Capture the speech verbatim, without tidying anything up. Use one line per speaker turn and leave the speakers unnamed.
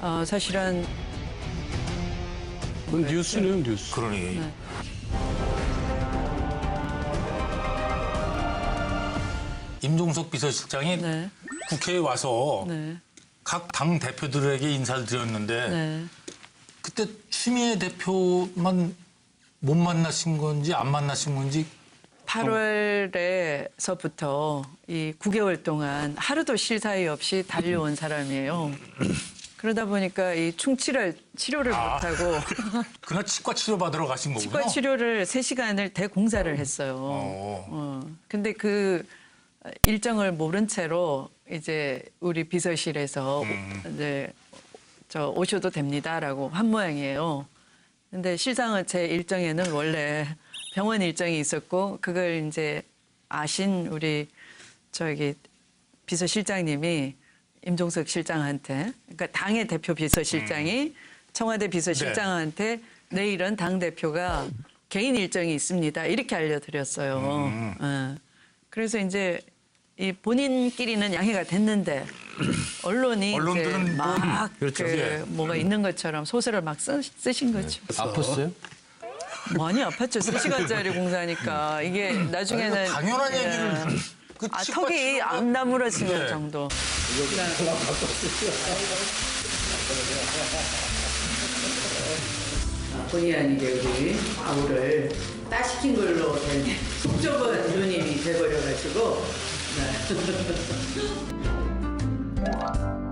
어, 사실은
그건 뉴스네요, 뉴스.
그러니.
네.
임종석 비서실장이
네,
국회에 와서
네,
각 당 대표들에게 인사를 드렸는데
네.
그때 추미애 대표만 못 만나신 건지 안 만나신 건지
팔월에서부터 이 구 개월 동안 하루도 쉴 사이 없이 달려온 사람이에요. 그러다 보니까 이 충치를 치료를
아.
못하고
그날 치과 치료 받으러 가신 거군요.
치과 치료를 세 시간을 대공사를 했어요.
어.
어. 근데 그 일정을 모른 채로 이제 우리 비서실에서
음.
이제 저 오셔도 됩니다라고 한 모양이에요. 근데 실상은 제 일정에는 원래 병원 일정이 있었고 그걸 이제 아신 우리 저기 비서실장님이 임종석 실장한테 그러니까 당의 대표 비서실장이 청와대 비서실장한테 내일은 당 대표가 개인 일정이 있습니다 이렇게 알려드렸어요.
음.
어. 그래서 이제 이 본인끼리는 양해가 됐는데 언론이 이제
언론들은 뭐-
막
그렇죠.
그
예.
뭐가 있는 것처럼 소설을 막 쓰, 쓰신 거죠.
아팠어요?
많이 아팠죠. 세 시간짜리 공사니까 이게 나중에는
당연한
예.
얘기를 그
아,
치과
턱이
치료가-
안 나무라진
네.
것 정도. 본의 아니게 우리 아우를 따시킨 걸로 된 속좁은 누님이 돼버려가지고. 네.